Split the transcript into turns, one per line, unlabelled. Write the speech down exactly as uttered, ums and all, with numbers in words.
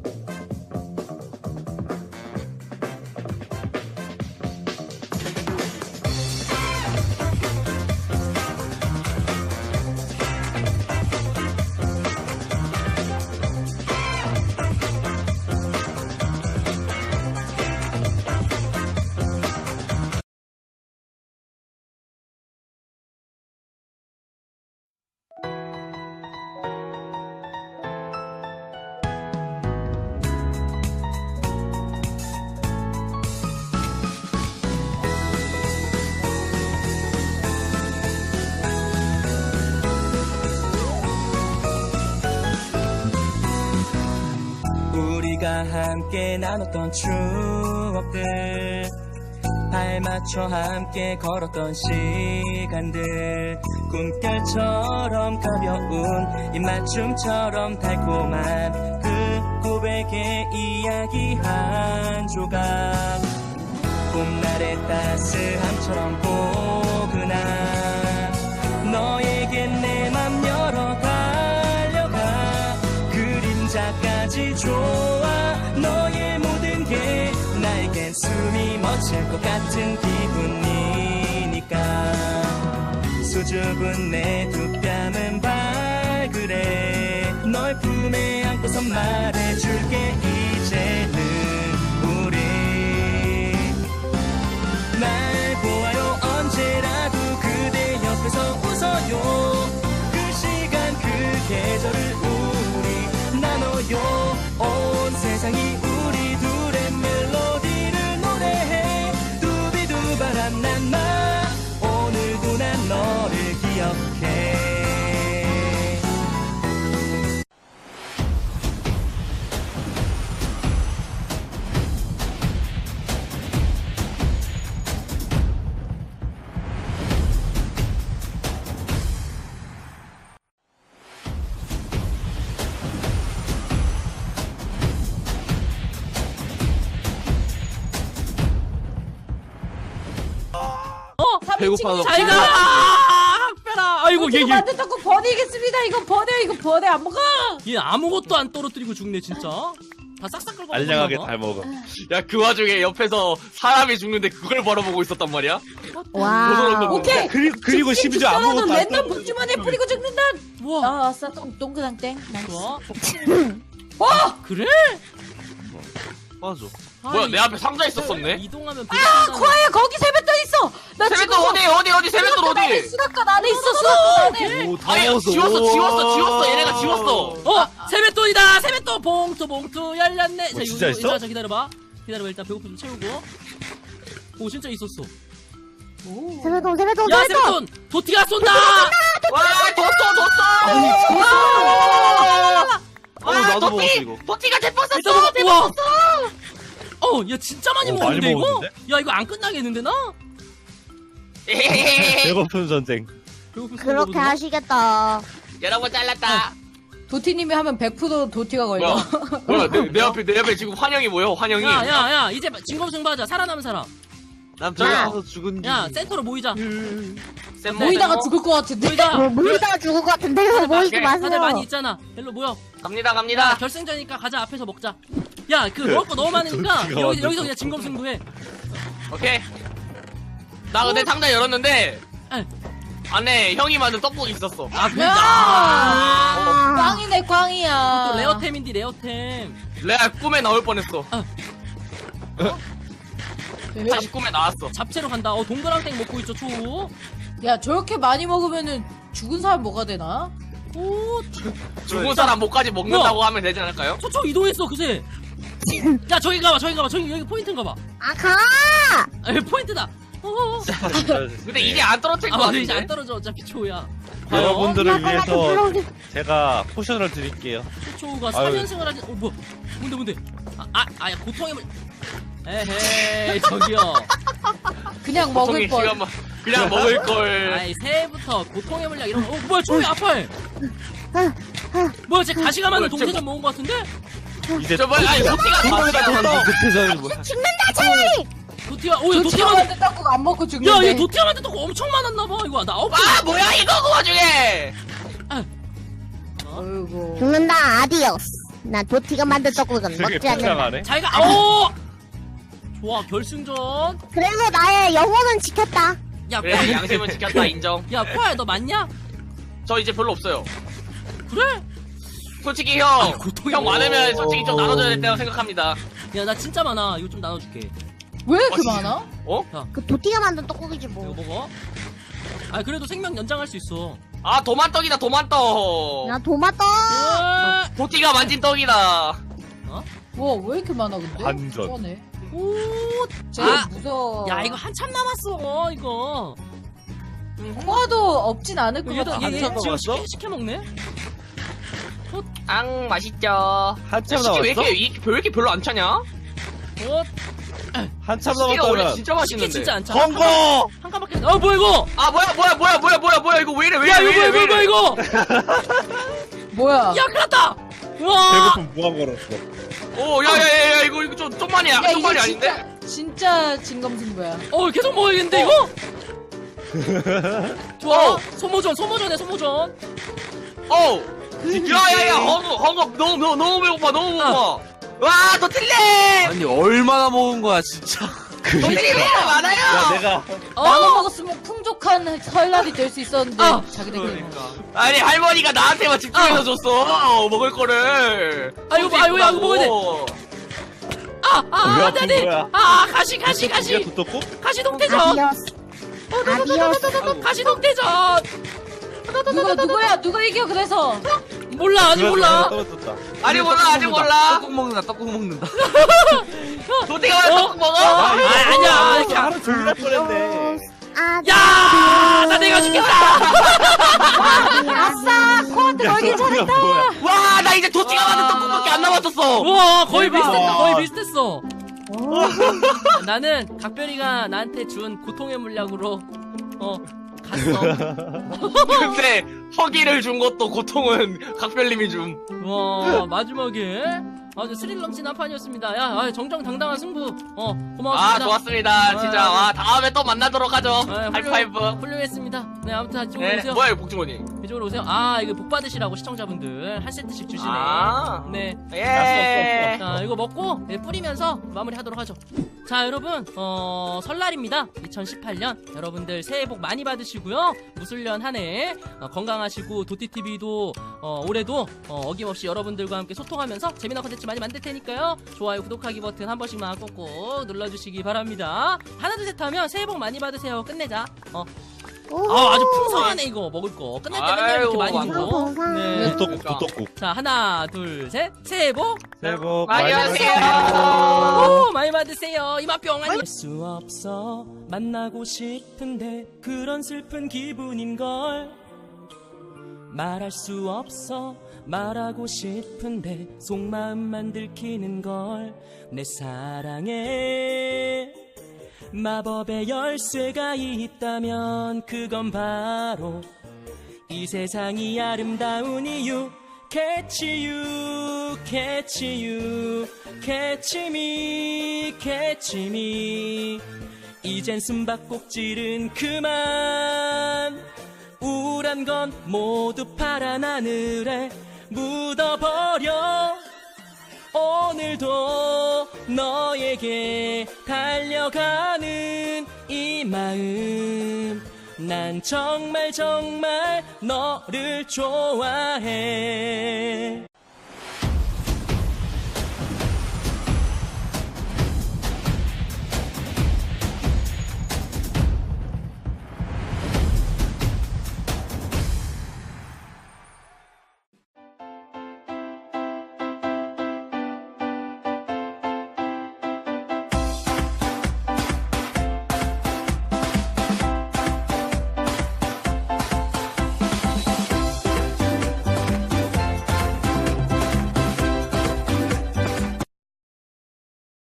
우리가 함께 나눴던 추억들, 발맞춰 함께 걸었던 시간들, 꿈결처럼 가벼운 입맞춤처럼 달콤한 그 고백의 이야기 한 조각, 봄날의 따스함처럼 포근한 너에게 내 맘 열어 달려가. 그림자까지 좋아. 너의 모든 게 나에겐 숨이 멎을 것 같은 기분이니까. 수줍은 내 두 뺨은 발그레. 널 품에 안고서 말해줄게. 이제는 우리 날 보아요. 언제라도 그대 옆에서 웃어요. 그 시간 그 계절을 우리 나눠요. 온 세상이 우리 둘의 멜로디를 노래해. 두비두 바람 난마 오늘도 난 너를 기억해.
배고파서
잘 가! 빼라! 아이고, 얘, 얘.
만든다고 버리겠습니다. 이거 버려, 이거 버려, 안 먹어!
얘 아무것도 안 떨어뜨리고 죽네, 진짜. 다 싹싹 긁어.
알량하게 잘 먹어.
야, 그 와중에 옆에서 사람이 죽는데 그걸 바라보고 있었단 말이야?
와. 오케이!
그리고, 그리고 심지어 아무것도 안
랜덤 복주머니에 뿌리고 죽는다!
우와.
아, 아싸, 동, 동그랑 땡.
좋아.
와!
그래?
맞아.
뭐야, 내 앞에 상자 있었었네?
이동하면
아, 코아야, 거기 세뱃돈 있어! 나
세뱃돈
지금
어디, 어디, 어디, 세뱃돈 어디?
수납관 안에 있어, 수납관 안에!
오, 다
아니,
먹었어.
지웠어, 지웠어, 지웠어. 얘네가 지웠어.
어! 세뱃돈이다! 세뱃돈! 봉투, 봉투, 열렸네! 자,
어, 진짜
이거,
있어?
자, 자, 기다려봐. 기다려봐, 일단 배고픔 좀 채우고. 오, 진짜 있었어.
세뱃돈 세뱃돈
야,
세뱃돈
세뱃돈! 도티가 쏜다!
와, 뒀어, 뒀어!
어, 나도 먹었어, 이거.
도티가 대포
일단
썼어!
먹, 우와! 어, 야, 진짜 많이
어,
먹었는데,
많이
이거?
먹었는데?
야, 이거 안 끝나겠는데, 나?
배고픈 전쟁.
배고픔 쏘는
그렇게
거보다?
하시겠다.
여러분 잘랐다.
도티님이 하면 백 퍼센트 도티가 걸려.
뭐야, 뭐야, 내, 내 앞에, 내 앞에 지금 환영이 뭐야, 환영이.
야, 야, 야, 이제 진검승부하자. 살아남은 사람.
난
배고파서
죽은
야, 센터로 모이자.
쌤
모이다가 죽을 것 같은데.
모이자.
뭐 모이다가 죽을 것 같은데요. 모이지
다들
다들 많이
마세요.
있잖아. 일로 모여.
갑니다,
야,
갑니다.
결승전이니까 가자. 앞에서 먹자. 야, 그 먹을 거 너무 많으니까
도티가
여기,
완전
여기서 그냥 진검승부해.
오케이. 나 근데 상자 열었는데,
에.
안에 형이 만든 떡볶이 있었어.
아, 진짜.
야! 꽝이네, 꽝이야.
또 레어템인데, 레어템.
내가 꿈에 나올 뻔했어.
왜?
다시 꿈에 나왔어.
잡채로 간다. 어, 동그랑땡 먹고 있죠, 초.
야, 저렇게 많이 먹으면은 죽은 사람 뭐가 되나?
오,
죽은 사람 목까지 먹는다고 하면 되지 않을까요?
초초 이동했어, 그새. 야, 저기 가봐, 저기 가봐. 저기, 여기 포인트인가 봐.
아 가.
아, 여기 포인트다. 어허.
근데 이게 안 떨어질
아,
것
맞아. 이제 안
같은데?
떨어져. 어차피 초야.
여러분들을
나
위해서
불러오지.
제가 포션을 드릴게요.
초초가
아유.
사 연승을 하지. 어, 뭐. 뭔데, 뭔데? 아, 아, 아, 야, 고통의 물. 에헤이, 저기요.
그냥 먹을
고통의
걸.
시간만 그냥 먹을 걸.
아이, 새해부터 고통의 물약 이런 거. 어, 뭐야, 초이 아파해. 뭐야, 쟤 가시가 많은
뭐야,
동태전 먹은 거 같은데?
이제
저 뭐야, 아니 도티가
도티가
나왔어.
급해서는 뭐야?
죽는다 차라리.
도티가, 오, 야,
도티가
도티가.
만든 떡국 안 먹고
야,
죽는데.
얘 도티가 만든 떡 엄청 많았나봐. 이거 나 아홉 개.
아 뭐야 이거 그 와중에.
어이구.
죽는다 아디오스. 난 도티가 만든 떡국은
되게
먹지 않는다.
불쌍하네.
잘가. 오. 좋아 결승전.
그래서 나의 영혼은 지켰다.
야
그래
코아.
양심은 지켰다 인정.
야 코아야 너 맞냐?
저 이제 별로 없어요.
그래?
솔직히 형,
고통이
형
뭐.
많으면 솔직히 좀 나눠줘야 된다고 생각합니다.
야 나 진짜 많아. 이거 좀 나눠줄게.
왜 이렇게
진짜.
많아?
그 도티가 만든 떡국이지
이거
뭐.
먹어. 아 그래도 생명 연장할 수 있어.
아 도만떡이다 도만떡.
나 도마떡.
으아.
도티가 만진 떡이다.
와, 왜 이렇게 많아, 근데?
반전.
그러네.
오.
쟤
아.
무서워.
야 이거 한참 남았어 이거.
코아도 없진 않을 것
얘도
같아.
얘, 얘
한참
지금
남았어?
시켜, 시켜 먹네.
앙 맛있죠.
한참
솔직히 왜
남았어?
이렇게, 이- 왜 이렇게 별로 안 차냐?
어.
한참
시계가 원래
남았다면.
진짜
시켜
맛있는데.
진짜 안 차.
헝거!
한 칸밖에. 어 뭐야 이거?
아 뭐야 뭐야 뭐야 뭐야 뭐야 뭐야 이거 왜 이래 왜
야
이래
이거
왜
뭐야
이래
이거 뭐야
왜
이거?
뭐야?
야 큰일났다. 와.
배고픔 무한 걸었어.
이래? 오 야야야야 이거 이거 좀 좀 많이
야,
좀 많이
이거
아닌데?
진짜, 진짜 진검승부야.
어 계속 먹어야겠는데 이거? 좋아. 소모전 소모전에 소모전.
어. 야야야 헝거 헝거 너무 너무 너무 배고파 너무 배고파. 와 더 틀려.
아니 얼마나 먹은 거야 진짜.
더 틀려 많아요.
야, 내가
나눠 먹었으면 풍족한 설날이 될 수 있었는데
아.
자기들끼리
그러니까.
아니 할머니가 나한테만 집중해서
아.
줬어 먹을 거를.
아이고, 아이고, 야, 이거 먹어야 돼. 아,
왜
아,
아픈
나네.
거야?
아, 가시, 가시, 가시.
야, 도떡국?
가시 동태전.
아디오스. 아디오스.
가시 동태전.
누가 누구야? 누가 이겨 그래서?
몰라, 아직 몰라.
떨어졌다.
아직 몰라 아직 몰라.
떡국 먹는다 떡국 먹는다.
도대가 왜 떡국 먹어?
아, 아니야. 이렇게 안-
하루 종일 할 뻔했네.
아디오스.
야, 나 내가 죽겠다.
아싸! 코한테
야,
걸긴
저거야,
잘했다!
뭐야.
와 나 이제 도티가 만든 떡국밖에 안 남았었어.
와, 거의
대박.
비슷했다. 거의 비슷했어. 나는 각별이가 나한테 준 고통의 물약으로 어 갔어.
근데 허기를 준 것도 고통은 각별님이 줌.
와, 마지막에 아주 스릴 넘치는 한 판이었습니다. 야, 아, 정정당당한 승부. 어,
아
고마웠습니다.
좋았습니다 진짜.
아,
와 다음에 또 만나도록 하죠.
아,
하이파이브.
훌륭했습니다. 네, 아무튼 이쪽으로
네
오세요.
뭐야 이거 복주머니.
이쪽으로 오세요. 아, 이거 복 받으시라고 시청자분들 한 세트씩 주시네.
아.
네.
예.
자, 이거 먹고 네, 뿌리면서 마무리하도록 하죠. 자, 여러분, 어, 설날입니다. 이천십팔 년 여러분들 새해 복 많이 받으시고요. 무술년 한 해 어, 건강하시고 도티티비도 어, 올해도 어, 어김없이 여러분들과 함께 소통하면서 재미난 컨텐츠 많이 만들 테니까요. 좋아요, 구독하기 버튼 한 번씩만 꼭꼭 눌러주시기 바랍니다. 하나 둘 셋 하면 새해 복 많이 받으세요. 끝내자. 어. 아, 아주 풍성하네 이거 먹을 거. 끝날 때 맨날 이렇게
아이고,
많이
완전
주고.
풍성.
네.
도떡국,
그러니까.
도떡국.
자, 하나 둘 셋. 새해 복
새해 복
많이
많이
받으세요.
오, 많이 받으세요. 이마병 아니. 수 없어 만나고 싶은데 그런 슬픈 기분인걸. 말할 수 없어 말하고 싶은데 속마음만 들키는걸. 내 사랑에 마법의 열쇠가 있다면 그건 바로 이 세상이 아름다운 이유. Catch you, catch you, catch me, catch me. 이젠 숨바꼭질은 그만. 우울한 건 모두 파란 하늘에 묻어버려. 오늘도 너에게 달려가는 이 마음. 난 정말 정말 너를 좋아해.